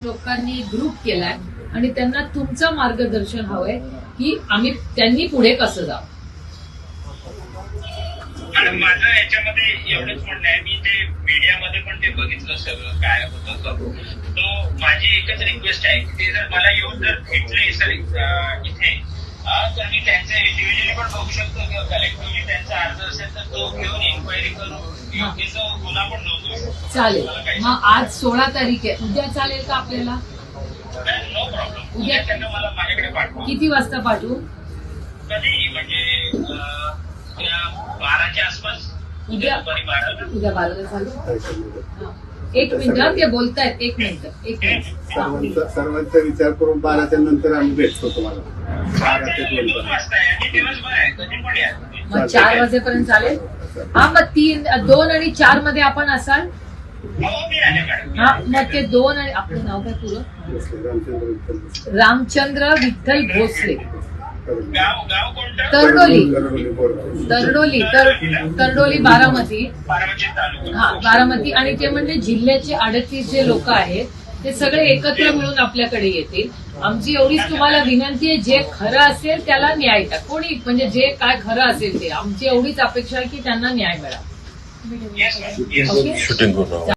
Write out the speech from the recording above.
लोकांनी ग्रुप केलाय आणि त्यांना तुमचं मार्गदर्शन हवंय की त्यांनी पुढे कसं जावं. आणि माझं याच्यामध्ये एवढंच म्हणणं आहे, मी ते मीडियामध्ये पण ते बघितलं सगळं काय होतं. तो माझी एकच रिक्वेस्ट आहे की ते जर मला येऊन जर भेटले सर इथे तर मी त्यांचं इंडिव्हिज्युअली पण बघू शकतो किंवा कलेक्टिव्हली त्यांचा अर्ज असेल तर तो घेऊन इन्क्वायरी करून योग्य जो गुन्हा पण नोंदवू शकतो. चालेल. मग आज 16 तारीख आहे, उद्या चालेल का आपल्याला? No problem. उद्या त्यांना मला माझ्याकडे पाठवा. किती वाजता पाठवू? कधी म्हणजे 12च्या आसपास. उद्या 12ला चालेल. एक मिनिट, ते बोलतायत. एक मिनिट. सर्वांचा विचार करून 12च्या नंतर आम्ही भेटतो तुम्हाला. 2 वाजता आहे आणि दिवसभर आहे, कधी पण या. मग 4 वाजेपर्यंत चालेल. हा, मग 2 आणि 4 मध्ये आपण असाल. हा, मग ते 2 आणि आपलं नाव काय पुरं? रामचंद्र विठ्ठल भोसले. गाव कोणतं? तरडोली बारामती. तालुका. हा, बारामती. आणि ते म्हणजे जिल्ह्याचे 38 जे लोक आहेत ते सगळे एकत्र मिळून आपल्याकडे येतील. आमची एवढीच तुम्हाला विनंती आहे, जे खरं असेल त्याला न्याय द्या. कोणी म्हणजे जे काय खरं असेल ते, आमची एवढीच अपेक्षा आहे की त्यांना न्याय मिळावा. Yes, ma'am. Yes. Okay. Shooting करू.